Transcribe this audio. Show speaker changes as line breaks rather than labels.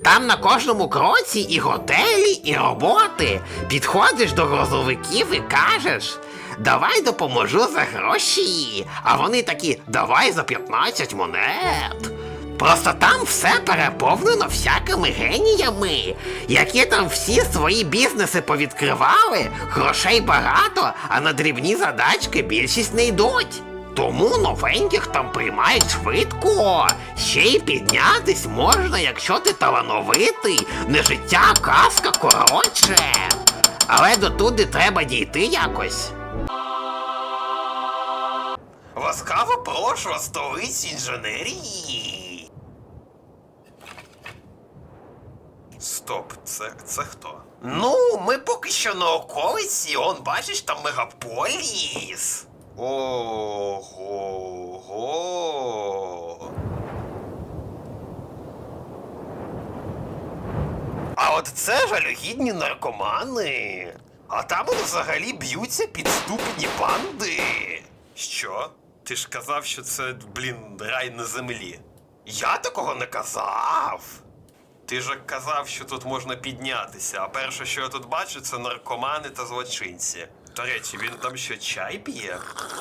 Там на кожному кроці і готелі, і роботи. Підходиш до грузовиків і кажеш: давай допоможу за гроші. А вони такі: давай за 15 монет. Просто там все переповнено всякими геніями, які там всі свої бізнеси повідкривали, грошей багато, а на дрібні задачки більшість не йдуть. Тому новеньких там приймають швидко. Ще й піднятись можна, якщо ти талановитий, не життя, а казка, коротше. Але дотуди треба дійти якось. Ласкаво прошу, столиці інженерії. Стоп, це хто? Ну, ми поки що на околиці, он, бачиш, там мегаполіс. Ого. А от це жалюгідні наркомани. А там от взагалі б'ються підступні банди. Що? Ти ж казав, що це, рай на землі. Я такого не казав. Ти ж казав, що тут можна піднятися, а перше, що я тут бачу, це наркомани та злочинці. До речі, він там що, чай п'є?